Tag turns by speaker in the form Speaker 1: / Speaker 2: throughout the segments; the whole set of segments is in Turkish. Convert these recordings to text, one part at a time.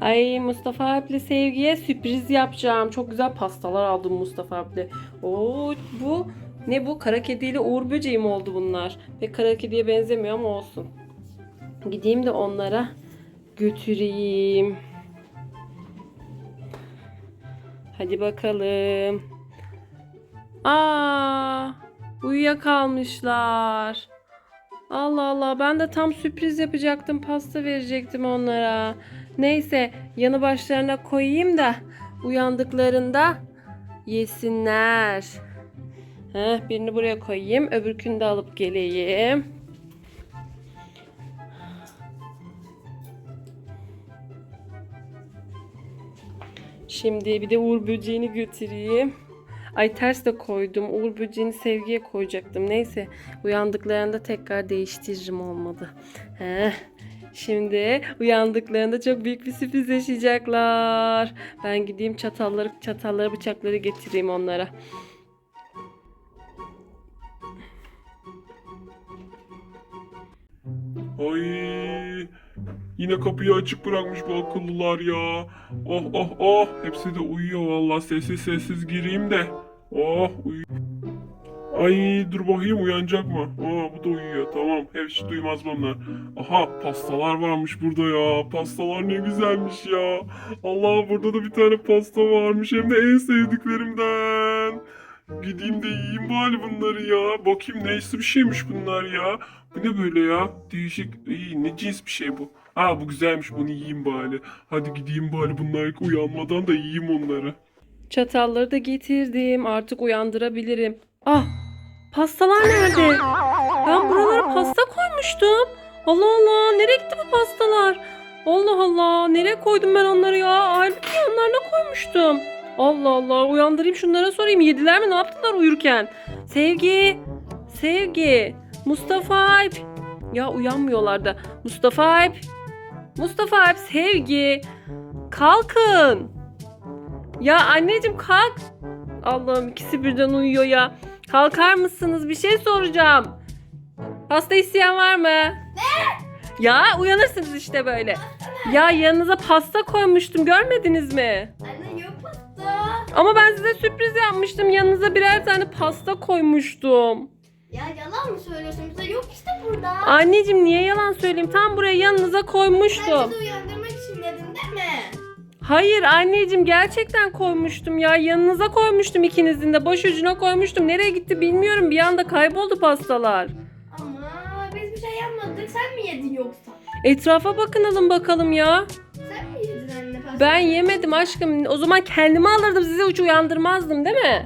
Speaker 1: Ay Mustafa abiyle Sevgi'ye sürpriz yapacağım. Çok güzel pastalar aldım Mustafa abiyle. Oo, bu ne bu? Kara kediyle Uğur böceği mi oldu bunlar? Ve kara kediye benzemiyor ama olsun. Gideyim de onlara götüreyim. Hadi bakalım. Aa, uyuyakalmışlar. Allah Allah, ben de tam sürpriz yapacaktım, pasta verecektim onlara. Neyse, yanı başlarına koyayım da uyandıklarında yesinler. Birini buraya koyayım, öbürkünü de alıp geleyim. Şimdi bir de Uğur böceğini götüreyim. Ay ters de koydum. Uğur böceğini Sevgi'ye koyacaktım. Neyse, uyandıklarında tekrar değiştiririm, olmadı. Şimdi uyandıklarında çok büyük bir sürpriz yaşayacaklar. Ben gideyim çatalları bıçakları getireyim onlara.
Speaker 2: Ay, yine kapıyı açık bırakmış bu akıllılar ya. Oh oh oh, hepsi de uyuyor vallahi, sessiz sessiz gireyim de. Oh uyu. Ay dur bakayım, uyanacak mı? Aa, bu da uyuyor, tamam, hiç duymaz bunlar. Aha, pastalar varmış burada ya. Pastalar ne güzelmiş ya. Allah, burada da bir tane pasta varmış, hem de en sevdiklerimden. Gideyim de yiyeyim bari bunları ya. Bakayım neyse bir şeymiş bunlar ya. Bu ne böyle ya? Değişik. İyi, ne cins bir şey bu? Aa, bu güzelmiş, bunu yiyeyim bari. Hadi gideyim bari, bunlar uyanmadan da yiyeyim onları.
Speaker 1: Çatalları da getirdim. Artık uyandırabilirim. Ah! Pastalar nerede? Ben buralara pasta koymuştum. Allah Allah, nereye gitti bu pastalar? Allah Allah, nereye koydum ben onları ya? Halbuki yanlarına koymuştum. Allah Allah, uyandırayım şunlara, sorayım. Yediler mi, ne yaptılar uyurken? Sevgi, Sevgi, Mustafa Alp. Ya uyanmıyorlar da. Mustafa Alp, Mustafa Alp, Sevgi. Kalkın. Ya anneciğim kalk. Allah'ım, ikisi birden uyuyor ya. Kalkar mısınız? Bir şey soracağım. Pasta isteyen var mı? Ne? Ya uyanırsınız işte böyle. Ya yanınıza pasta koymuştum, görmediniz mi?
Speaker 3: Anne yok pasta.
Speaker 1: Ama ben size sürpriz yapmıştım. Yanınıza birer tane pasta koymuştum.
Speaker 3: Ya yalan mı söylüyorsun? Bize yok işte burada.
Speaker 1: Anneciğim niye yalan söyleyeyim? Tam buraya yanınıza
Speaker 3: Sen
Speaker 1: koymuştum.
Speaker 3: bizi uyandırmak için dedin değil mi?
Speaker 1: Hayır anneciğim, gerçekten koymuştum ya. Yanınıza koymuştum, ikinizin de. Baş ucuna koymuştum. Nereye gitti bilmiyorum. Bir anda kayboldu pastalar.
Speaker 3: Ama biz bir şey yapmadık. Sen mi yedin yoksa?
Speaker 1: Etrafa bakınalım bakalım ya.
Speaker 3: Sen mi yedin anne pasta?
Speaker 1: Ben yemedim aşkım. O zaman kendimi alırdım, sizi hiç uyandırmazdım değil mi?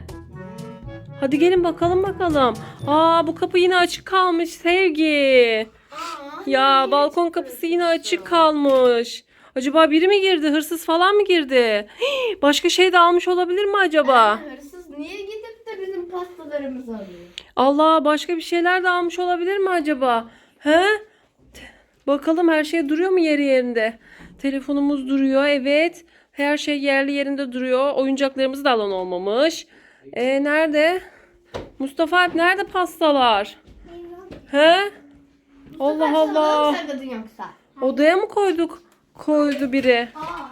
Speaker 1: Hadi gelin bakalım bakalım. Aa, bu kapı yine açık kalmış Sevgi. Ya
Speaker 3: niye
Speaker 1: balkon
Speaker 3: çıktı?
Speaker 1: kapısı yine açık kalmış. Acaba biri mi girdi? Hırsız falan mı girdi? Hii, başka şey de almış olabilir mi acaba?
Speaker 3: Anne, hırsız niye gidip de bizim pastalarımızı alıyor?
Speaker 1: Allah, başka bir şeyler de almış olabilir mi acaba? He? Bakalım her şey duruyor mu yeri yerinde? Telefonumuz duruyor, evet. Her şey yerli yerinde duruyor. Oyuncaklarımızı da alan olmamış. Nerede? Mustafa Alp, nerede pastalar? He? Allah
Speaker 3: Sen
Speaker 1: Allah.
Speaker 3: mı sakladın yoksa?
Speaker 1: Odaya mı koydu biri?
Speaker 3: Aa.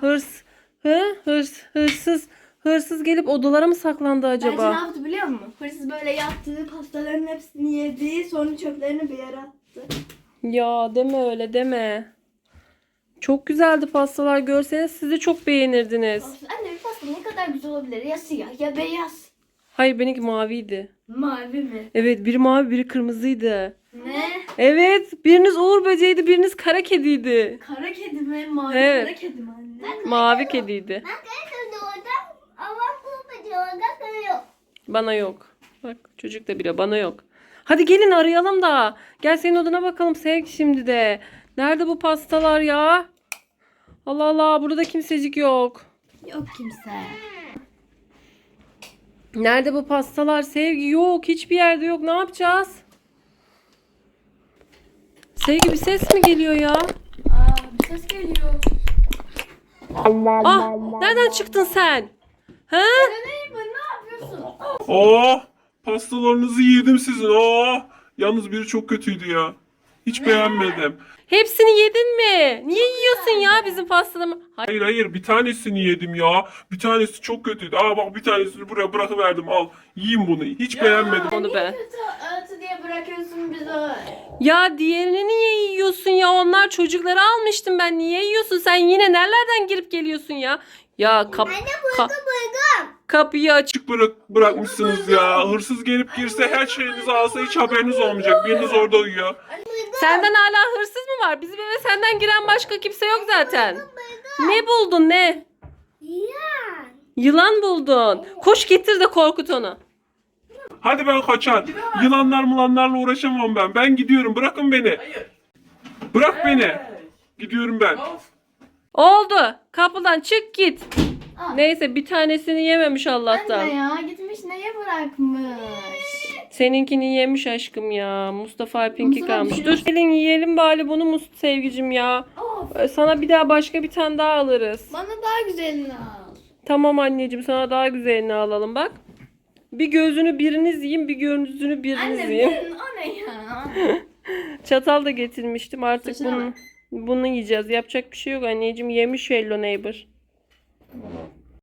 Speaker 1: Hırsız gelip odalara mı saklandı
Speaker 3: Bence ne
Speaker 1: acaba?
Speaker 3: yaptı biliyor musun? Hırsız böyle yaptı, pastaların hepsini yedi, sonra çöplerini bir yere attı.
Speaker 1: Ya deme öyle, deme. Çok güzeldi pastalar, görseniz siz de çok beğenirdiniz.
Speaker 3: Anne bir pasta ne kadar güzel olabilir? Ya siyah ya beyaz.
Speaker 1: Hayır, benimki maviydi.
Speaker 3: Mavi mi?
Speaker 1: Evet, biri mavi biri kırmızıydı.
Speaker 3: Ne?
Speaker 1: Evet, biriniz Uğur böceğiydi, biriniz kara kediydi.
Speaker 3: Kara kedi mi? Mavi
Speaker 1: Evet.
Speaker 3: kara kedi mi anne?
Speaker 1: Mavi kediydi.
Speaker 3: Ben kara kedi orada ama kurbacı orada yok.
Speaker 1: Bana yok. Bak, çocuk da bile bana yok. Hadi gelin arayalım da. Gel senin odana bakalım Sevgi şimdi de. Nerede bu pastalar ya? Allah Allah, burada kimsecik yok.
Speaker 3: Yok kimse.
Speaker 1: Nerede bu pastalar Sevgi? Yok, hiçbir yerde yok. Ne yapacağız? Sevgi, bir ses mi geliyor ya?
Speaker 3: Bir ses geliyor.
Speaker 1: Ah, nereden çıktın sen? He?
Speaker 3: Neyim ben, ne yapıyorsun?
Speaker 2: Aa, pastalarınızı yedim sizin. Aa, yalnız biri çok kötüydü ya. Hiç beğenmedim.
Speaker 1: Hepsini yedin mi? Niye yiyorsun ya bizim pastamı?
Speaker 2: Hayır hayır, bir tanesini yedim ya. Bir tanesi çok kötüydü. Aa bak, bir tanesini buraya bırakıverdim, al. Yiyin bunu. Hiç beğenmedim.
Speaker 1: Onu ben.
Speaker 3: Kötü öğütü diye bırakıyorsun bizi.
Speaker 1: Ya diğerini niye yiyorsun ya? Onlar çocukları almıştım ben. Niye yiyorsun? Sen yine nerelerden girip geliyorsun ya? Ya kapıyı aç.
Speaker 2: Açık bırakmışsınız ya. Hırsız gelip girse, her şeyinizi alsa hiç haberiniz olmayacak. Biriniz orada uyuyor.
Speaker 1: Senden hala hırsız mı var? Bizim eve senden giren başka kimse yok zaten. Ne buldun ne? Yılan buldun. Koş getir de korkut onu.
Speaker 2: Hadi ben kaçar. Yılanlarla uğraşamam ben. Ben gidiyorum. Bırakın beni. Bırak beni. Gidiyorum ben.
Speaker 1: Oldu. Kapıdan çık git.
Speaker 3: Aa.
Speaker 1: Neyse bir tanesini yememiş Allah'tan.
Speaker 3: Anne ya gitmiş neye bırakmış?
Speaker 1: Seninkini yemiş aşkım ya. Mustafa Alp'inki
Speaker 3: Mustafa
Speaker 1: kalmış.
Speaker 3: bir
Speaker 1: Dur
Speaker 3: şey-
Speaker 1: gelin yiyelim bari bunu sevgicim ya.
Speaker 3: Of,
Speaker 1: Sana bir daha başka bir tane daha alırız.
Speaker 3: bana daha güzelini al.
Speaker 1: Tamam anneciğim sana daha güzelini alalım bak. Bir gözünü biriniz yiyin, bir gözünü biriniz
Speaker 3: Anne
Speaker 1: yiyin.
Speaker 3: o ne ya?
Speaker 1: Çatal da getirmiştim artık
Speaker 3: Saçına
Speaker 1: bunu yiyeceğiz. Yapacak bir şey yok anneciğim, yemiş Hello Neighbor.